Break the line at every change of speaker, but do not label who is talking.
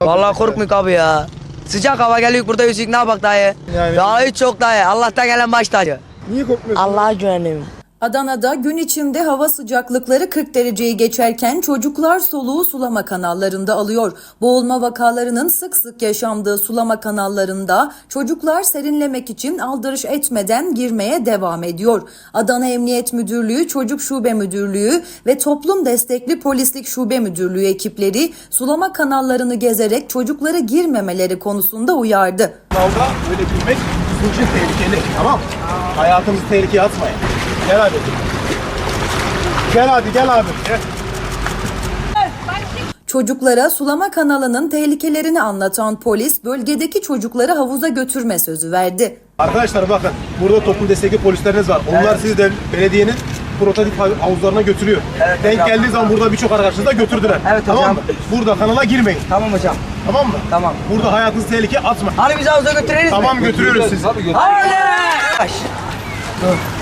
Vallahi korkmuyor abi ya. Sıcak hava geliyor burada yüzük ne yapak dayı?
Yani-
Ya hiç çok dayı. Allah'tan gelen baş tacı.
Niye korkmuyorsun?
Allah'a güvenim.
Adana'da gün içinde hava sıcaklıkları 40 dereceyi geçerken çocuklar soluğu sulama kanallarında alıyor. Boğulma vakalarının sık sık yaşandığı sulama kanallarında çocuklar serinlemek için aldırış etmeden girmeye devam ediyor. Adana Emniyet Müdürlüğü, Çocuk Şube Müdürlüğü ve Toplum Destekli Polislik Şube Müdürlüğü ekipleri sulama kanallarını gezerek çocukları girmemeleri konusunda uyardı.
Kanalda böyle girmek bizim için tehlikeli. Tamam mı? Hayatımızı tehlikeye atmayın. Gel abi. Gel abi, gel abi. Gel.
Çocuklara sulama kanalının tehlikelerini anlatan polis bölgedeki çocukları havuza götürme sözü verdi.
Arkadaşlar bakın, burada toplum destekli polisleriniz var. Onlar sizi de belediyenin prototip havuzlarına götürüyor. Denk geldiği zaman burada birçok arkadaşınızı da götürdüler.
Evet
tamam
hocam.
mı? Burada kanala girmeyin.
Tamam hocam.
Tamam mı?
Tamam.
Burada hayatınızı tehlikeye atmayın.
Hani bizi havuza götüreriz mi?
Tamam, götürüyoruz sizi.
Hadi. Yavaş. Dur.